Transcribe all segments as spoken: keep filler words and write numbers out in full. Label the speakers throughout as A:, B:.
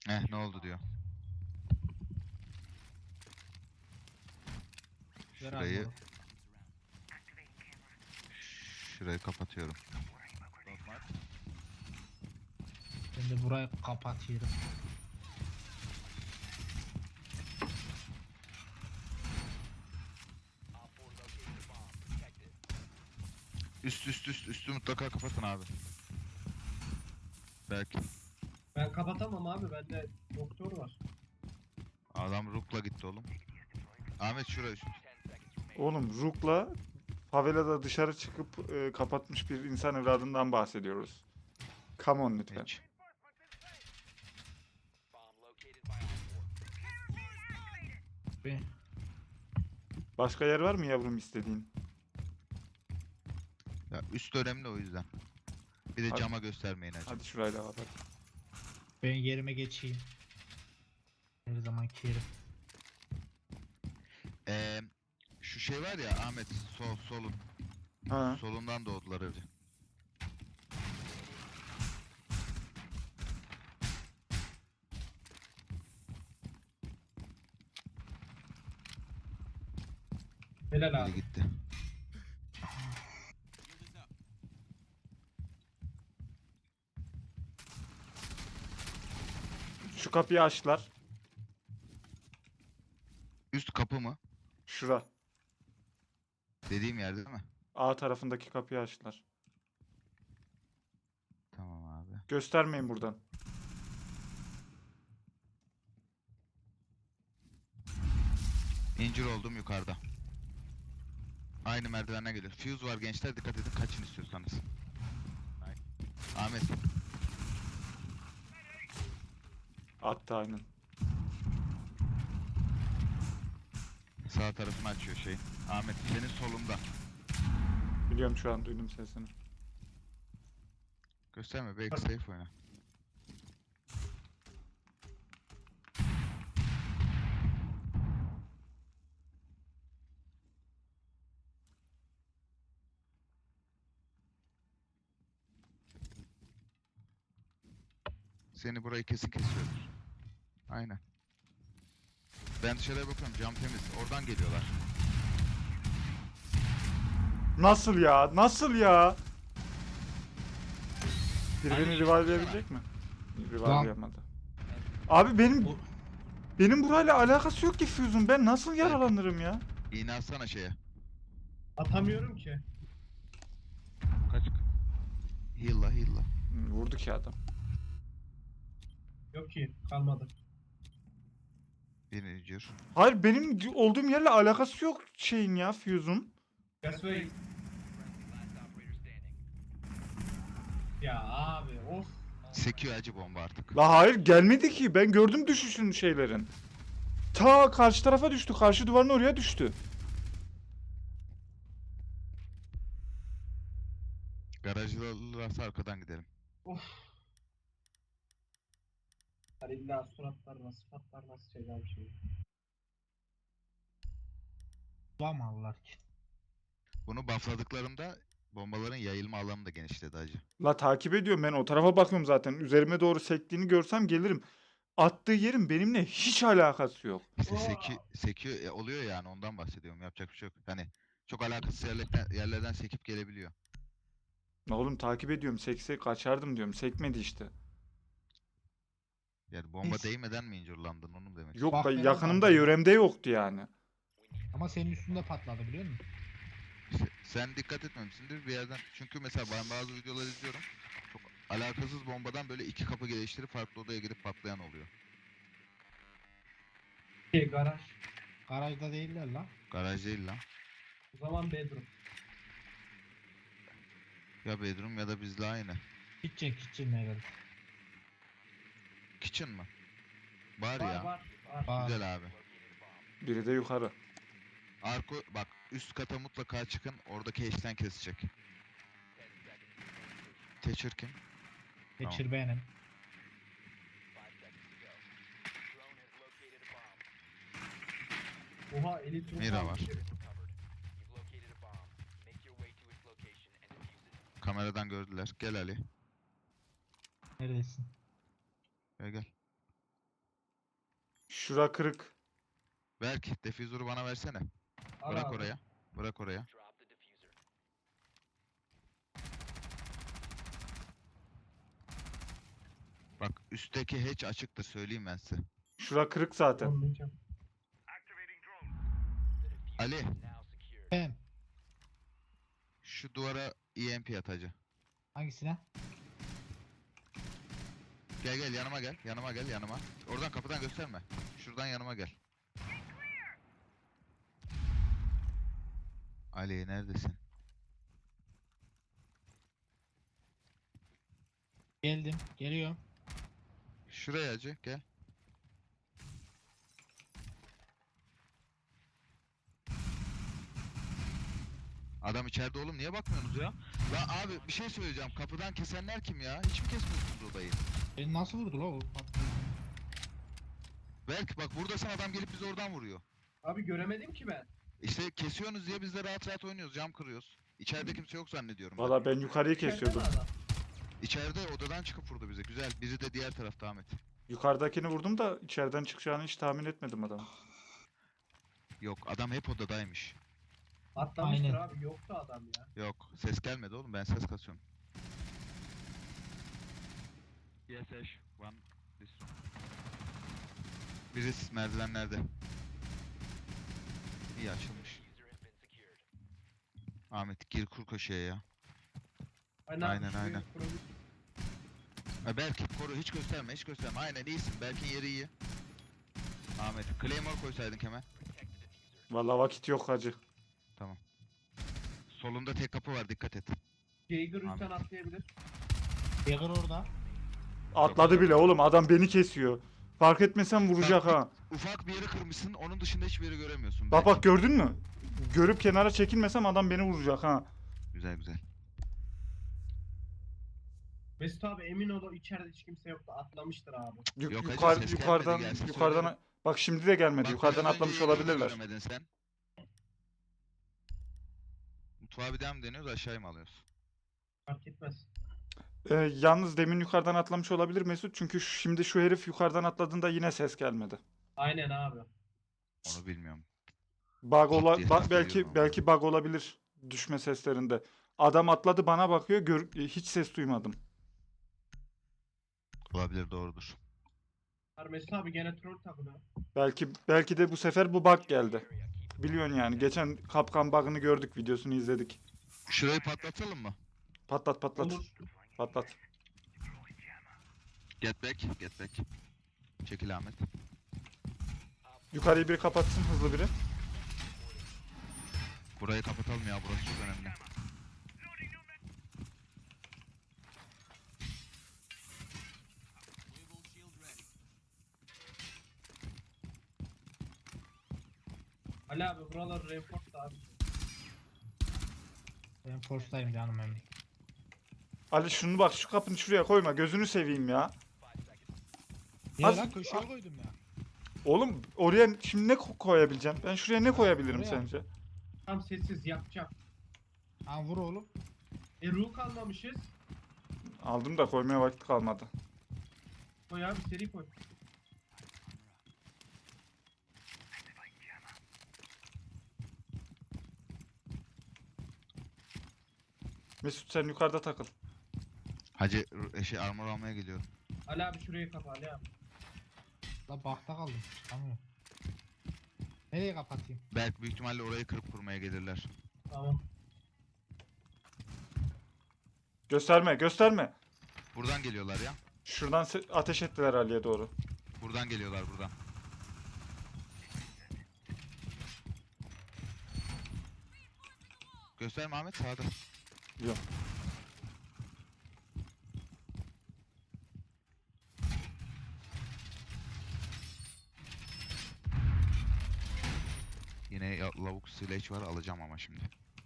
A: Eh ne oldu diyor.
B: Ver abi
A: Şurayı
B: onu.
A: şurayı kapatıyorum.
B: Ben de burayı kapatıyorum.
A: Üst üst üst üstü mutlaka kapatın abi. Belki.
C: Ben kapatamam abi, bende doktor var.
A: Adam Rook'la gitti oğlum. Ahmet şuraya üst.
D: Oğlum Rook'la favelada dışarı çıkıp e, kapatmış bir insan evladından bahsediyoruz. Come on lütfen.
A: Hiç.
B: Ben
D: Başka yer var mı yavrum istediğin?
A: Ya üst önemli o yüzden. Bir de
D: Hadi.
A: cama göstermeyin hacı.
D: Hadi şurayla kapat.
B: ben yerime geçeyim. Her zamanki yerim.
A: Ee, şu şey var ya Ahmet sol solun.
D: Ha.
A: Solundan doğdular hacı.
C: Helal
A: Biri
C: abi.
A: gitti.
D: Şu kapıyı açtılar.
A: Üst kapı mı?
D: Şura.
A: Dediğim yer değil mi?
D: A tarafındaki kapıyı açtılar.
A: Tamam abi.
D: Göstermeyin buradan.
A: İncir oldum yukarıda. Aynı merdivene geliyor. Fuse var gençler, dikkat edin, kaçın istiyorsanız. Ahmet
D: Attı aynen.
A: sağ tarafını açıyor şey. Ahmet senin solunda.
D: Biliyorum, şu an duydum sesini.
A: Gösterme, belki safe oyna. Seni burayı kesin kesiyordur. Aynen. Ben dışarıya bakıyorum, cam temiz. Oradan geliyorlar.
D: Nasıl ya? Nasıl ya? Biri beni revive'layabilecek mi? Revive'layamadı. Abi benim
B: O
D: benim burayla alakası yok ki Fuse'un. Ben nasıl yaralanırım ya?
A: İğne atsana şeye.
C: Atamıyorum ki.
A: Kaç. Heal'la heal'la.
D: Hmm, Vurdu ki adam.
C: Yok ki, kalmadı.
A: Bir incir.
D: Hayır, benim olduğum yerle alakası yok şeyin ya, Fuse'un.
C: Gasway. Ya abi of.
A: Sekiyor acı bomba artık.
D: La hayır, gelmedi ki. Ben gördüm düşüşün şeylerin. Ta karşı tarafa düştü. Karşı duvarın oraya düştü.
A: Garajlarsa arkadan gidelim.
C: Of. Hani illa suratlarına, sıfatlarına şeyler bir şey.
B: bulamadılar ki.
A: Bunu buffladıklarında bombaların yayılma alanı da genişledi acı.
D: La takip ediyorum, ben o tarafa bakıyorum zaten. Üzerime doğru sektiğini görsem gelirim. Attığı yerin benimle hiç alakası yok.
A: İşte
C: Oo.
A: seki, sekiyor e, oluyor yani, ondan bahsediyorum. Yapacak bir şey yok. Hani çok alakasız yerlerden, yerlerden sekip gelebiliyor.
D: La oğlum, takip ediyorum. Sekse kaçardım diyorum. Sekmedi işte.
A: Yani bomba değmeden mi injurlandın, onu mu demek
D: Yok,
B: Bak
A: istiyorsun?
B: ben
D: yakınımda,
B: almadım.
D: yöremde yoktu yani.
B: Ama senin üstünde patladı biliyor musun?
A: İşte sen dikkat etmemişsindir bir yerden. Çünkü mesela ben bazı videolar izliyorum. Çok alakasız bombadan böyle iki kapı geliştirip farklı odaya gidip patlayan oluyor.
C: Şey, garaj.
B: Garajda değiller la.
A: Garaj değil lan.
C: O zaman bedroom.
A: Ya bedroom ya da bizle aynı.
B: Kitchen kitchen herhalde.
A: Kitchen mı? Var
C: Var
A: ya.
C: var. var.
B: Aa,
A: Güzel abi.
D: Biri de yukarı.
A: Arko bak, üst kata mutlaka çıkın. Oradaki eşten kesecek. Thatcher kim?
B: Geçir benim.
C: Oha, elit
A: Mira var. Kameradan gördüler. Gel Ali.
B: Neredesin?
A: Gel gel.
D: Şura kırık.
A: Berk defüzörü bana versene.
C: Al
A: Bırak
C: abi.
A: oraya. Bırak oraya. Bak üstteki hatch açıktır söyleyeyim ben size.
D: Şura kırık zaten.
C: Anlayacağım.
A: Ali
B: Ben.
A: şu duvara E M P at hacı.
B: Hangisine?
A: Gel gel yanıma gel. Yanıma gel yanıma. Oradan kapıdan gösterme. Şuradan yanıma gel. Ali neredesin?
B: Geldim. Geliyorum.
A: Şuraya hacı gel. Adam içeride oğlum niye bakmıyorsunuz ya? La abi bir şey söyleyeceğim. Kapıdan kesenler kim ya? Hiç mi kesmiyorsunuz odayı?
B: Beni nasıl vurdu la o?
A: Belki bak buradasın adam gelip bizi oradan vuruyor.
C: Abi göremedim ki ben.
A: İşte kesiyorsunuz diye biz de rahat rahat oynuyoruz. Cam kırıyoruz. İçeride kimse yok zannediyorum. ben.
D: Valla ben yukarıyı
C: İçeride mi
D: kesiyordum.
C: adam?
A: İçeride odadan çıkıp vurdu bize. Güzel. Biri de diğer tarafta Ahmet.
D: Yukarıdakini vurdum da içeriden çıkacağını hiç tahmin etmedim adamı.
A: Yok adam hep odadaymış.
C: Atlamıştır
B: Aynen.
C: abi. Yoktu adam ya.
A: Yok ses gelmedi oğlum ben ses kasıyorum. Yes Ash. One. This one. Birisi merdivenlerde. İyi açılmış. Ahmet gir kur köşeye ya.
C: Aynen,
A: Aynen,
C: şurayı
A: aynen.
C: kurabilir.
A: Ha, Berk koru hiç gösterme hiç gösterme. Aynen iyisin. Berk'in yeri iyi. Ahmet Claymore koysaydın hemen.
D: Valla vakit yok hacı.
A: Solunda tek kapı var dikkat et.
C: Jaeger üstten
A: Ahmet.
C: atlayabilir.
B: Jäger orada.
D: Atladı bile oğlum, adam beni kesiyor. Fark etmesem vuracak ha.
A: Ufak bir yeri kırmışsın onun dışında hiçbir yeri göremiyorsun.
D: Bak
A: Berk.
D: bak gördün mü? Görüp kenara çekilmesem adam beni vuracak ha.
A: Güzel güzel.
C: Mesut abi emin ol içeride hiç kimse yoktu. Atlamıştır abi.
D: Yuk-
A: Yok hacı,
D: yukarı,
A: ses
D: yukarıdan
A: gelmedi, gelse
D: yukarıdan
A: söylerim.
D: bak şimdi de gelmedi.
A: Bak,
D: Yukarıdan
A: biraz
D: atlamış
A: önce yeri
D: olabilirler.
A: göremedin sen. Mutfağa bir daha mı deniyoruz aşağıya mı alıyoruz?
C: Fark etmez.
D: Ee, yalnız demin yukarıdan atlamış olabilir Mesut, çünkü şu- şimdi şu herif yukarıdan atladığında yine ses gelmedi.
C: Aynen abi.
A: Onu bilmiyorum.
D: Bug ola
A: diye
D: ba-
A: ses
D: belki
A: geliyor mu?
D: belki bug olabilir düşme seslerinde. Adam atladı bana bakıyor, gör- hiç ses duymadım.
A: Olabilir doğrudur.
C: Har Mesut abi gene troll takılıyor.
D: Belki belki de bu sefer bu bug geldi. Biliyorsun yani, geçen kapkan bug'ını gördük, videosunu izledik.
A: Şurayı patlatalım mı?
D: Patlat patlat
C: Olur.
D: patlat.
A: Get back, get back. Çekil Ahmet.
D: Yukarıyı bir kapatsın hızlı biri.
A: Burayı kapatalım ya burası çok önemli.
C: Ali abi buralar reinforce da abi.
B: Ben force'dayım canım benim.
D: Ali şunu bak, şu kapını şuraya koyma, gözünü seveyim ya.
B: Niye
D: Az-
B: lan köşeye koydum ya.
D: Oğlum oraya şimdi ne ko- koyabileceğim? Ben şuraya ne koyabilirim
B: Oraya.
D: sence?
C: Tam sessiz yapacağım.
B: Ha vur oğlum.
C: E ruh kalmamışız.
D: Aldım da koymaya vakit kalmadı.
C: Koy abi seri koy.
D: Mesut sen yukarıda takıl.
A: Hacı r- şey armor almaya geliyorum.
C: Ali abi şurayı kapa Ali abi.
B: La bakta kaldım. Çıkamıyorum. Nereye kapatayım?
A: Belki büyük ihtimalle orayı kırıp kurmaya gelirler.
C: Tamam.
D: Gösterme gösterme.
A: Buradan geliyorlar ya.
D: Şuradan se- ateş ettiler Ali'ye doğru.
A: Buradan geliyorlar buradan. Gösterme Ahmet sağda.
D: Yok.
A: Yine ya- lavuk sledge var alacağım ama şimdi.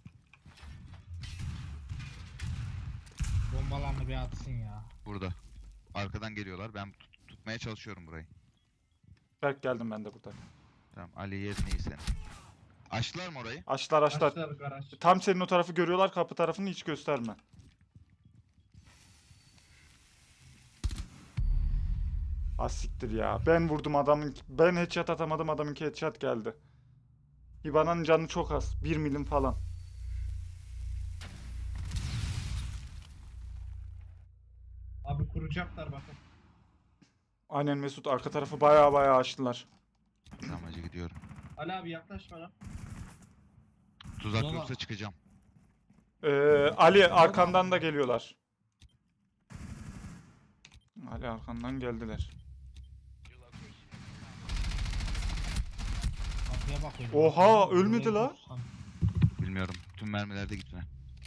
B: Bombalarını bir atsın ya.
A: Burada. Arkadan geliyorlar. Ben tut- tutmaya çalışıyorum burayı.
D: Berk geldim ben de burada.
A: Tamam Ali yerin iyi senin. Açtılar mı orayı?
D: Açlar açlar.
C: Açtılar garaj.
D: Tam senin o tarafı görüyorlar, kapı tarafını hiç gösterme. Ah siktir ya. Ben vurdum adamın. Ben headshot atamadım, adamınki headshot geldi. İbana'nın canı çok az. bir milim falan.
C: Abi kuracaklar bakın.
D: Aynen Mesut, arka tarafı baya baya açtılar.
A: Tamam hacı gidiyorum.
C: Ali abi yaklaş bana.
A: Tuzak
B: Yola.
A: yoksa çıkacağım.
D: Ee, Ali arkandan da geliyorlar. Ali arkandan geldiler.
B: Kapıya bakıyorum.
D: Oha,
B: Bakıyorum,
D: ölmedi
B: buraya
D: la.
B: dursan.
A: Bilmiyorum. Tüm mermilerde gitme.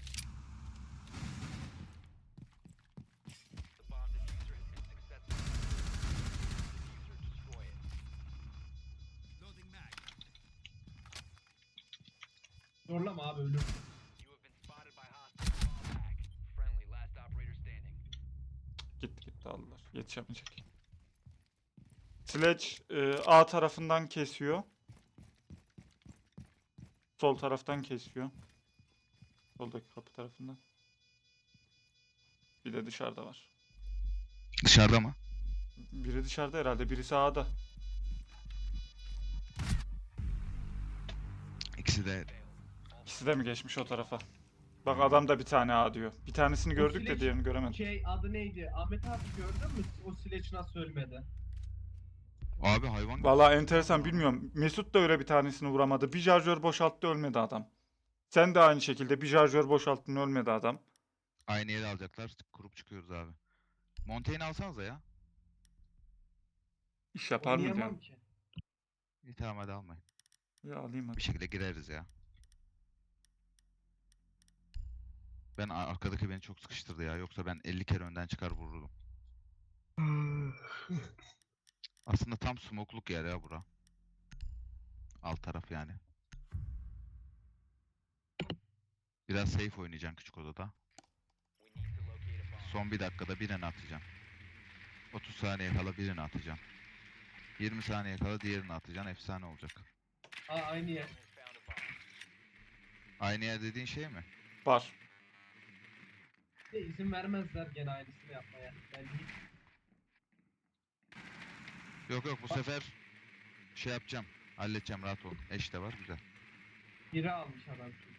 C: Zorlama abi ölür.
D: Gitti gitti aldılar. Yetişemeyecek. Sledge e, A tarafından kesiyor. Sol taraftan kesiyor. Soldaki kapı tarafından. Bir de dışarıda var.
A: Dışarıda mı?
D: Biri dışarıda herhalde, birisi A'da.
A: İkisi de
D: İkisi de mi geçmiş o tarafa? Bak adam da bir tane A diyor. Bir tanesini
C: O
D: gördük de
C: sileç-
D: diğerini göremedik.
C: Şey adı neydi? Ahmet abi gördün mü? O sileç nasıl ölmedi?
A: abi hayvan gibi.
D: Vallahi enteresan, bilmiyorum. Mesut da öyle bir tanesini vuramadı. Bir şarjör boşalttı, ölmedi adam. Sen de aynı şekilde bir şarjör boşalttın, ölmedi adam.
A: Aynı yere alacaklar. Kurup çıkıyoruz abi. Montaigne alsanıza ya.
D: İş yapar mı
C: Oynayamam
D: diyorsun?
C: ki.
A: İyi tamam hadi almayın.
D: Ya alayım hadi.
A: Bir şekilde gireriz ya. Ben a- arkadaki beni çok sıkıştırdı ya. Yoksa ben elli kere önden çıkar vururdum. Aslında tam smokluk yer ya bura. Alt taraf yani. Biraz safe oynayacaksın küçük odada. Son bir dakikada birini atacaksın. otuz saniye kala birini atacaksın. yirmi saniye kala diğerini atacaksın. Efsane olacak.
C: Aa aynı yer.
A: Aynı yer dediğin şey mi?
D: Var.
C: De izin vermezler gene aynısını yapmaya. Yani hiç
A: Yok yok bu sefer şey yapacağım. Halledeceğim rahat ol. Eş de var güzel.
C: biri almış adam çünkü.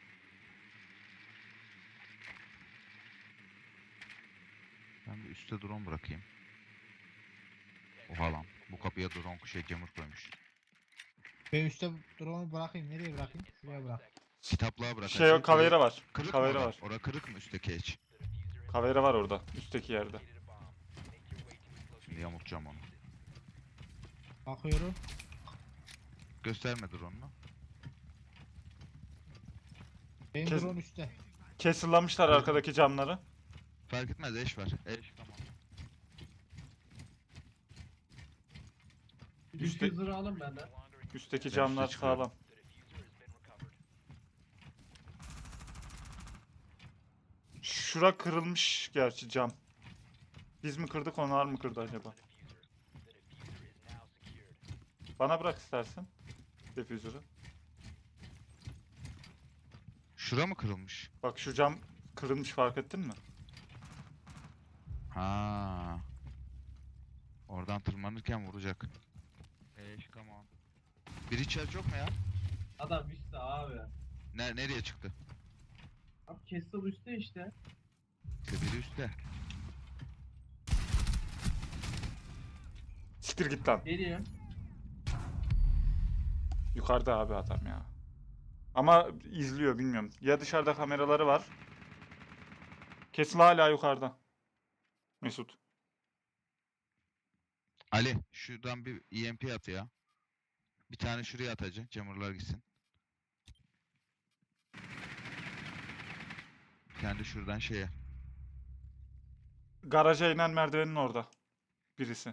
A: Ben bir üstte drone bırakayım. Oha lan. Bu kapıya drone şey camur koymuş.
B: Ben üstte drone'u bırakayım. Nereye bırakayım? Şuraya bırak.
A: Kitaplığa bırak.
D: Şey o kavera var.
A: Kırık mı
D: Kavera
A: ora?
D: var.
A: Ora kırık mı üstteki eç?
D: Kavera var orada. Üstteki yerde.
A: Şimdi yamultacağım onu.
B: Bakıyorum.
A: Gösterme drone'unu.
B: Benim
D: Kes-
B: drone üstte.
D: Kesirlamışlar arkadaki camları.
A: Fark etmez eş var. Eş tamam.
C: Bir
D: Üstte-
C: diffuser'ı alın benden.
D: Üstteki
A: üste
D: camlar
A: çıkıyorum.
D: sağlam. Şura kırılmış gerçi cam. Biz mi kırdık, onlar mı kırdı acaba? Bana bırak istersen. Diffuser'ı.
A: Şura mı kırılmış?
D: Bak şu cam kırılmış, fark ettin mi?
A: Ha. Oradan tırmanırken vuracak. Eş come on. Bir içeride yok mu ya?
C: Adam üstte abi.
A: Ne nereye çıktı?
C: Abi Castle üstte işte.
A: İşte biri üstte.
D: Siktir git lan.
C: Geliyor.
D: Yukarıda abi adam ya. Ama izliyor, bilmiyorum. Ya dışarıda kameraları var. Kesin hala yukarıda. Mesut.
A: Ali şuradan bir E M P at ya. Bir tane şuraya at hacı. Camurlar gitsin. Bir tane de şuradan şeye.
D: Garaja inen merdivenin orada. Birisi.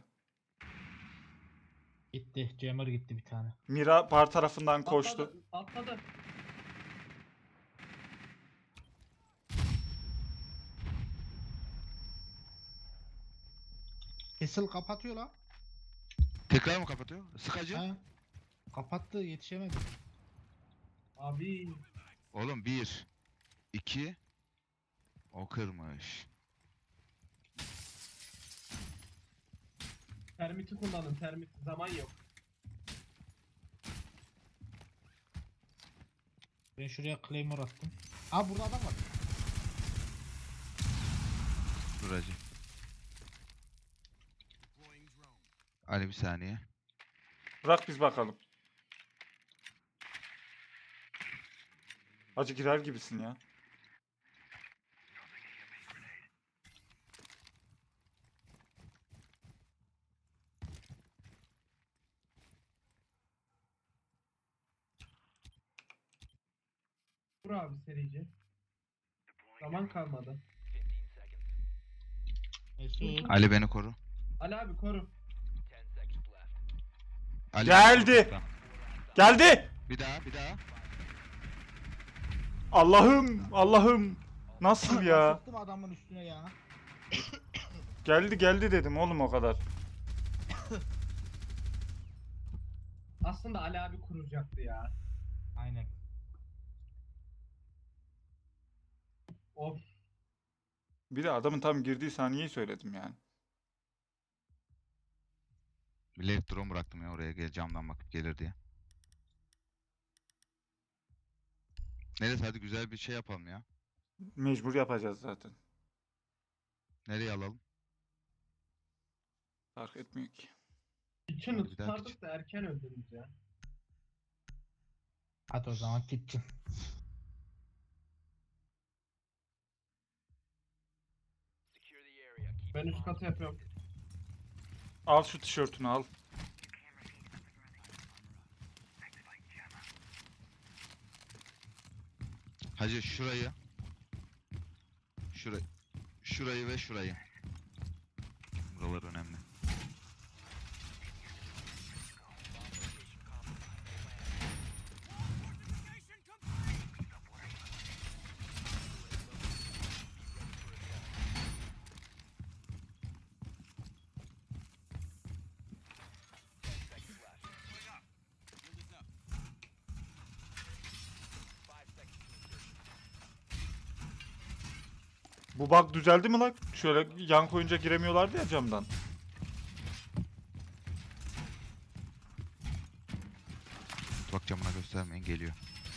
B: Gitti. Jammer gitti bir tane.
D: Mira bar tarafından koştu.
C: Atladı. Atladı.
B: Castle kapatıyor la.
A: Tekrar mı kapatıyor? Sıkacı.
B: Ha? Kapattı, yetişemedim.
C: Abi.
A: Oğlum bir. iki. O kırmış.
C: Termiti kullanın, termit. Zaman yok.
B: Ben şuraya claymore attım. Aa burada adam var.
A: Dur hacı. Ali bir saniye.
D: Bırak biz bakalım. Acı girer gibisin ya.
C: Vur abi serici. Zaman kalmadı.
B: Mesut.
A: Ali beni koru.
C: Ali abi koru.
A: Ali
D: Geldi.
A: Tamam.
D: Geldi.
A: Bir daha bir daha.
D: Allah'ım, Allah'ım. Nasıl ya?
B: Sıktım adamın üstüne ya.
D: Geldi geldi dedim oğlum o kadar.
C: Aslında Ali abi kuracaktı ya.
B: Aynen.
C: Of.
D: Bir de adamın tam girdiği saniyeyi söyledim yani.
A: Bilerek drone bıraktım ya oraya gel camdan bakıp gelir diye. Neresi hadi güzel bir şey yapalım ya.
D: Mecbur yapacağız zaten.
A: Nereye alalım?
D: Fark etmiyor ki.
C: Kitchen'ı
A: Bir daha
C: tutardık da erken öldünüz ya.
B: Hadi o zaman gittim.
C: Ben üst katı yapıyorum.
D: Al şu tişörtünü al.
A: Hacı şurayı. Şurayı. Şurayı ve şurayı. Buralar önemli.
D: Bu bug düzeldi mi lan? Şöyle yan koyunca giremiyorlardı ya camdan.
A: Bak camına göstermeyin geliyor.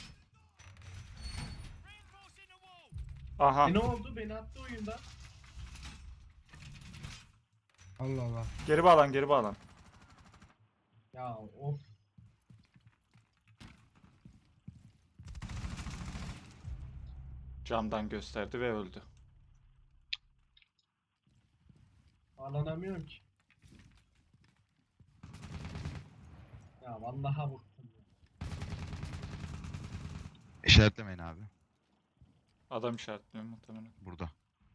D: Aha.
C: E ne oldu? Beni attı oyundan.
B: Allah Allah.
D: Geri bağlan geri bağlan.
C: Ya of.
D: Camdan gösterdi ve öldü.
C: Bağlanamıyorum ki. Ya vallahi bıktım ya.
A: İşaretlemeyin abi.
D: Adam işaretliyor muhtemelen.
A: Burada.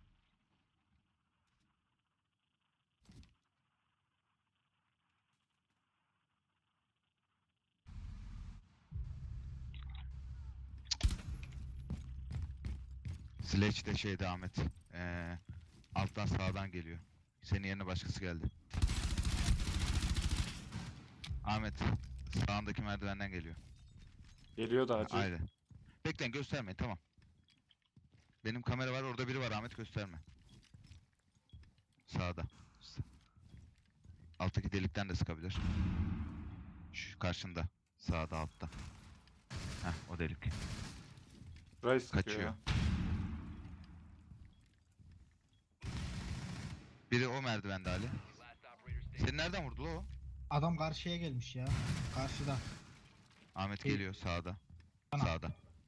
A: Sledge de şeyde Ahmet. Ee, alttan sağdan geliyor. Senin yerine başkası geldi. Ahmet sağındaki merdivenden geliyor.
D: Geliyor da acı.
A: Aynen. Bekleyin göstermeyin tamam. Benim kamera var orada biri var Ahmet gösterme. Sağda. Alttaki delikten de sıkabilir. Şu karşında. Sağda altta. Heh o delik.
D: Burayı sıkıyor
A: Kaçıyor.
D: ya.
A: Biri o merdivende Ali. Seni nereden vurdu la o?
B: Adam karşıya gelmiş ya. Karşıda.
A: Ahmet
B: İyi.
A: geliyor sağda.
B: Tamam.
A: Sağda.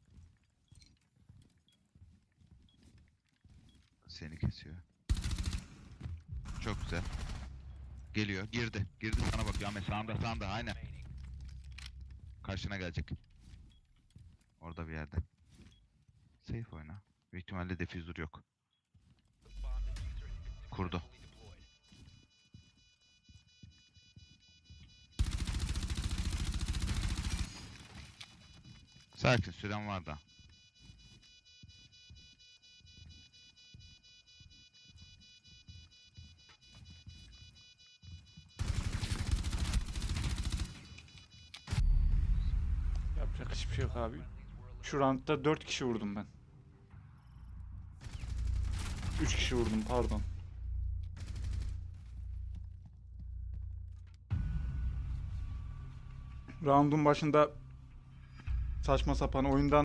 A: Seni kesiyor. Çok güzel. Geliyor. Girdi. Girdi sana bakıyor. Ahmet sağında sağında aynen. Karşına gelecek. Orada bir yerde. Safe oyna. Büyük ihtimalle defüzür yok. Kurdu. Sakin süren var da.
D: Yapacak hiçbir şey yok abi. Şu roundda dört kişi vurdum ben. üç kişi vurdum pardon. round'un başında saçma sapan oyundan